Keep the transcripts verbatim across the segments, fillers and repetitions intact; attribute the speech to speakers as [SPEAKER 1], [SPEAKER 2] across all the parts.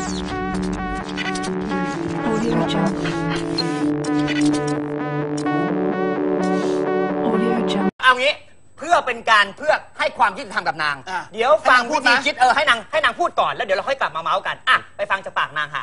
[SPEAKER 1] Audio Jungle. Audio Jungle.
[SPEAKER 2] เอางี้เพื่อเป็นการเพื่อให้ความยุติธรรมกับนาง เดี๋ยวฟังวิธีคิดเออให้นางให้นางพูดก่อนแล้วเดี๋ยวเราค่อยกลับมาเมาส์กันอ่ะไปฟังจากปากนางค่ะ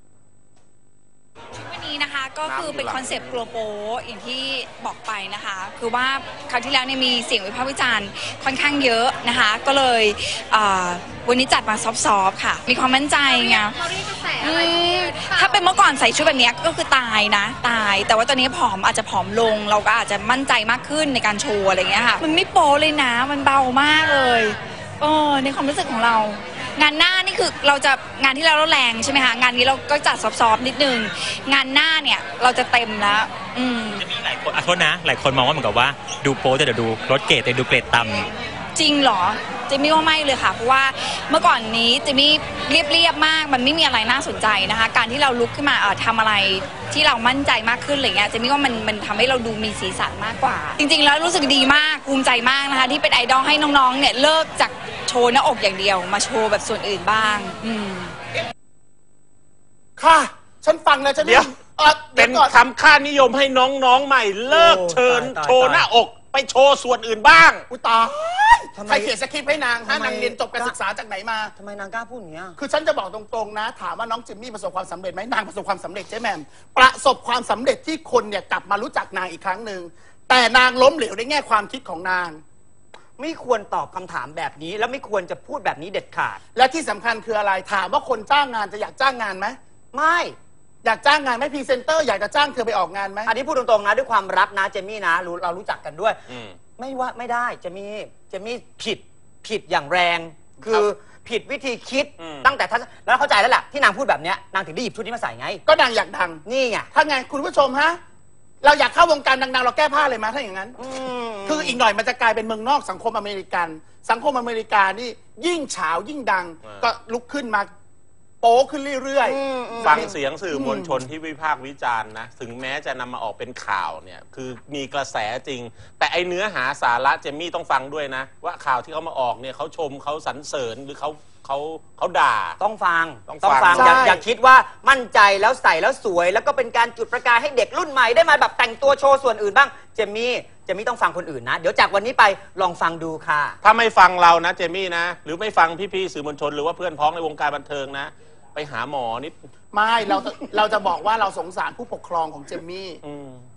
[SPEAKER 3] วันนี้นะคะก็คือเป็นคอนเซปต์กลัวโป๊อย่างที่บอกไปนะคะคือว่าคราวที่แล้วเนี่ยมีเสียงวิพากษ์วิจารณ์ค่อนข้างเยอะนะคะก็เลยวันนี้จัดมาซอฟๆค่ะมีความมั่นใจไงถ้าเป็นเมื่อก่อนใส่ชุดแบบนี้ก็คือตายนะตายแต่ว่าตอนนี้ผอมอาจจะผอมลงเราก็อาจจะมั่นใจมากขึ้นในการโชว์อะไรเงี้ยค่ะมันไม่โป๊เลยนะมันเบามากเลยเออในความรู้สึกของเรางานหน้านี่คือเราจะงานที่เราแรงใช่ไหมคะงานนี้เราก็จัดซอฟๆนิดนึงงานหน้าเนี่ยเราจะเต็มแล้วอืม
[SPEAKER 4] จะมีหลายคนอ่ะโทษนะหลายคนมองว่าเหมือนกับว่าดูโป๊แต่เดี๋ยวดูลดเกรดแต่ดูเกรดต่ำ
[SPEAKER 3] จริงเหรอเจมี่ว่าไม่เลยค่ะเพราะว่าเมื่อก่อนนี้เจมี่เรียบๆมากมันไม่มีอะไรน่าสนใจนะคะการที่เราลุกขึ้นมาเออทำอะไรที่เรามั่นใจมากขึ้นอะไรเงี้ยเจมี่ว่ามันมันทำให้เราดูมีสีสันมากกว่าจริงๆแล้วรู้สึกดีมากภูมิใจมากนะคะที่เป็นไอดอลให้น้องๆเนี่ยเลิกจากโชว์หน้าอกอย่างเดียวมาโชว์แบบส่วนอื่นบ้างอืม
[SPEAKER 5] ค่ะฉันฟังแล้วฉันเดี๋ยว
[SPEAKER 6] เป็นคำค่านิยมให้น้องๆใหม่เลิกเชิญโชว์หน้าอกไปโชว์ส่วนอื่นบ้าง
[SPEAKER 5] อุตาใครเขียนสคริปต์ให้นางฮะนางเรียนจบการศึกษาจากไหนมา
[SPEAKER 2] ทำไมนางกล้าพูดอย่างนี้
[SPEAKER 5] คือฉันจะบอกตรงๆนะถามว่าน้องจิมมี่ประสบความสำเร็จไหมนางประสบความสำเร็จใช่ไหมประสบความสำเร็จที่คนเนี่ยกลับมารู้จักนางอีกครั้งหนึ่งแต่นางล้มเหลวในแง่ความคิดของนาง
[SPEAKER 2] ไม่ควรตอบคำถามแบบนี้แล้วไม่ควรจะพูดแบบนี้เด็ดขาด
[SPEAKER 5] และที่สำคัญคืออะไรถามว่าคนจ้างงานจะอยากจ้างงานไหม
[SPEAKER 2] ไม่
[SPEAKER 5] อยากจ้างงานไหมพรีเซนเตอร์อยากจะจ้างเธอไปออกงานไหม
[SPEAKER 2] อันนี้พูดตรงๆนะด้วยความรักนะเจมี่นะรู้เรารู้จักกันด้วยไม่ว่าไม่ได้เจมี่เจมี่ผิดผิดอย่างแรงคือผิดวิธีคิดตั้งแต่ท่านแล้วเข้าใจแล้วแหละที่นางพูดแบบนี้นางถึงได้หยิบชุดนี้มาใส่ไง
[SPEAKER 5] ก็นางอยากดัง
[SPEAKER 2] นี่ไง
[SPEAKER 5] ถ้าไงคุณผู้ชมฮะเราอยากเข้าวงการดังๆเราแก้ผ้าเลยมาถ้าอย่างนั้นคืออีกหน่อยมันจะกลายเป็นเมืองนอกสังคมอเมริกันสังคมอเมริกานี่ยิ่งเฉายิ่งดังก็ลุกขึ้นมาโป๊ขึ้นเรื่อย
[SPEAKER 6] ๆฟังเสียงสื่อมวลชนที่วิพากษ์วิจารณ์นะถึงแม้จะนำมาออกเป็นข่าวเนี่ยคือมีกระแสจริงแต่ไอเนื้อหาสาระเจมี่ต้องฟังด้วยนะว่าข่าวที่เขามาออกเนี่ยเขาชมเขาสรรเสริญหรือเขาเขาเขาด่า
[SPEAKER 2] ต้องฟังต้องฟังอย่าอย่าคิดว่ามั่นใจแล้วใส่แล้วสวยแล้วก็เป็นการจุดประกายให้เด็กรุ่นใหม่ได้มาแบบแต่งตัวโชว์ส่วนอื่นบ้างเจมี่เจมี่ต้องฟังคนอื่นนะเดี๋ยวจากวันนี้ไปลองฟังดูค่ะ
[SPEAKER 6] ถ้าไม่ฟังเรานะเจมี่นะหรือไม่ฟังพี่ๆสื่อมวลชนหรือว่าเพื่อนพ้องในวงการบันเทิงนะไปหาหมอนิด
[SPEAKER 5] ไม่เราเราจะบอกว่าเราสงสารผู้ปกครองของเจมี่